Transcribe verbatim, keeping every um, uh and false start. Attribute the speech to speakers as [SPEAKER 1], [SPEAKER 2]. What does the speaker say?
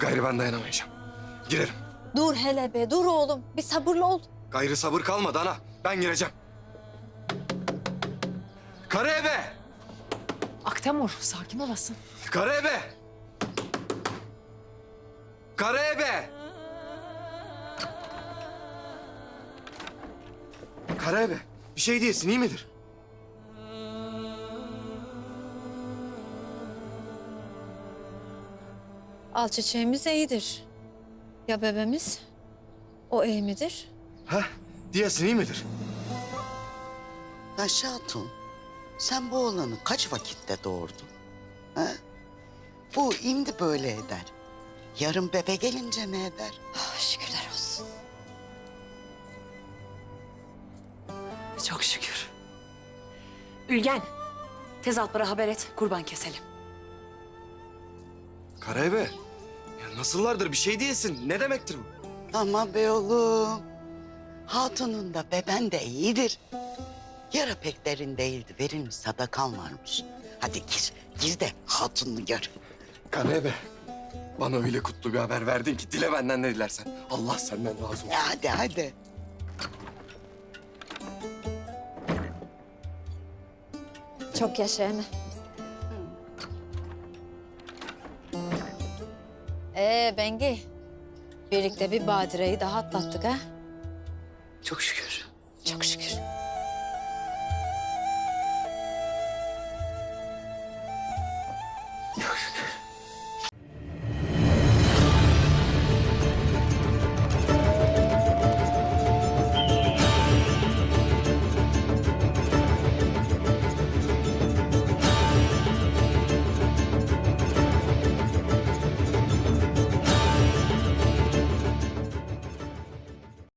[SPEAKER 1] Gayrı ben dayanamayacağım. Girerim.
[SPEAKER 2] Dur hele be, dur oğlum. Bir sabırlı ol.
[SPEAKER 1] Gayrı sabır kalmadı ana. Ben gireceğim. Karaebe!
[SPEAKER 3] Aktemur, sakin olasın.
[SPEAKER 1] Karaebe! Karaebe! Karaebe, bir şey diyesin, iyi midir?
[SPEAKER 2] Al çiçeğimiz iyidir. Ya bebeğimiz? O iyi midir?
[SPEAKER 1] Ha? Diyesin, iyi midir?
[SPEAKER 4] Ayşe Hatun, sen bu oğlanı kaç vakitte doğurdun? Ha? Bu indi böyle eder. Yarın bebe gelince ne eder?
[SPEAKER 2] Oh, şükürler olsun.
[SPEAKER 3] Çok şükür. Ülgen, tez Alplara haber et, kurban keselim.
[SPEAKER 1] Karaebe, ya nasıllardır bir şey diyesin. Ne demektir bu?
[SPEAKER 4] Ama be oğlum, hatunun da beben de iyidir. Yara pek derin değildi, verilmiş sadakan varmış. Hadi gir, gir de hatununu gör.
[SPEAKER 1] Karaebe, bana öyle kutlu bir haber verdin ki dile benden ne dilersen. Allah senden razı olsun.
[SPEAKER 4] Ya hadi, hadi.
[SPEAKER 2] Çok yaşa eme. Ee Bengi, birlikte bir badireyi daha atlattık ha.
[SPEAKER 4] Çok şükür.
[SPEAKER 2] Çok şükür.
[SPEAKER 4] Çok şükür.